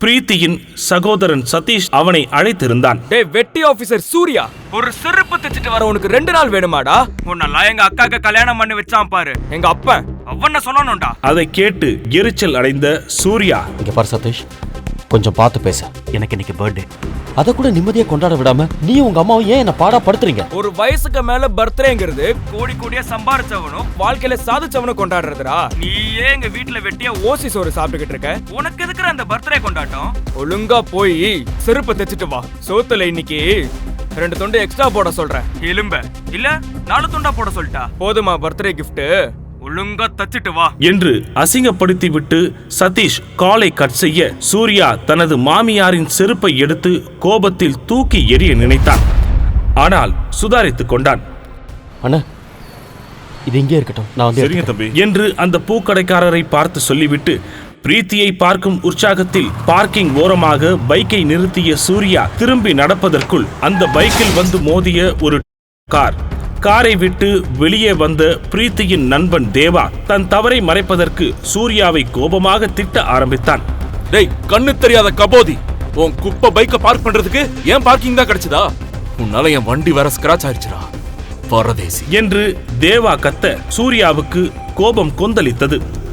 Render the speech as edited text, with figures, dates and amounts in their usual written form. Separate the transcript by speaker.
Speaker 1: பிரீத்தியின் சகோதரன் சதீஷ் அவனை அழைத்திருந்தான்.
Speaker 2: டேய் வெட்டி ஆபீசர் சூர்யா, ஒரு செருப்பு தைச்சிட்டு வர உனக்கு 2 நாள் வேணுமாடா? உன்னெல்லாம் எங்க அக்காக்கு கல்யாணம் பண்ணி வச்சான் பாரு எங்க அப்பன், அவன சொல்லணும்டா.
Speaker 1: அதை கேட்டு எரிச்சல் அடைந்த சூர்யா,
Speaker 3: இங்க பாரு சதீஷ், கொஞ்சம் பார்த்து பேச. எனக்கு இன்னைக்கு பர்த்டே, அதை கூட நிம்மதியா கொண்டாட விடாம நீ உங்க அம்மாவும் ஏன் என்ன பாடா படுத்துறீங்க?
Speaker 2: ஒரு வயசுக்கு மேல பர்த்டேங்கிறது கோடி கோடியா சம்பாரிச்சவனும் வாழ்க்கையில சாதிச்சவனும் கொண்டாடுறதுடா. நீ ஏன் எங்க வீட்டுல வெட்டியா ஓசி சோறு சாப்பிட்டுக்கிட்டு இருக்க? உனக்கு எதுக்குற அந்த பர்த்டே கொண்டாட்டம்? ஒழுங்கா போய் செருப்பு தைச்சிட்டு வா. சோத்துல இன்னைக்கு 2 துண்டு எக்ஸ்ட்ரா போட சொல்றேன். எலும்ப இல்ல 4 துண்டா போட சொல்லிட்டா போதுமா பர்த்டே கிஃப்ட்? ஒழுங்கா தச்சிட்டு வா
Speaker 1: என்று அசிங்கப்படுத்தி விட்டு சதீஷ் காலை கட் செய்ய சூர்யா தனது மாமியாரின் செருப்பை எடுத்து கோபத்தில் தூக்கி எறிய நினைத்தான். ஆனால் சுதாரித்துக் கொண்டான்.
Speaker 3: அண்ணா, இது இங்கே இருக்கட்டும், நான் வந்து
Speaker 1: சரிங்க தம்பி என்று அந்த பூக்கடைக்காரரை பார்த்து சொல்லிவிட்டு பிரீத்தியை பார்க்கும் உற்சாகத்தில் பார்க்கிங் ஓரமாக பைக்கை நிறுத்திய சூர்யா திரும்பி நடப்பதற்குள் அந்த பைக்கில் வந்து மோதிய ஒரு காரை விட்டு வெளியே வந்த பிரீத்தியின் நண்பன் தேவா தன் தவறை மறைப்பதற்கு சூர்யாவை கோபமாக திட்ட ஆரம்பித்தான்.
Speaker 4: டேய் கண்ணு தெரியாத கபோதி, உன் குப்பை பைக்கை பார்க் பண்றதுக்கு ஏன் பார்க்கிங் தான் கிடைச்சதா? உன்னால என் வண்டி வேற ஸ்கிராச் ஆயிடுச்சுடா பரதேசி
Speaker 1: என்று தேவா கத்த சூர்யாவுக்கு கோபம் கொந்தளித்தது.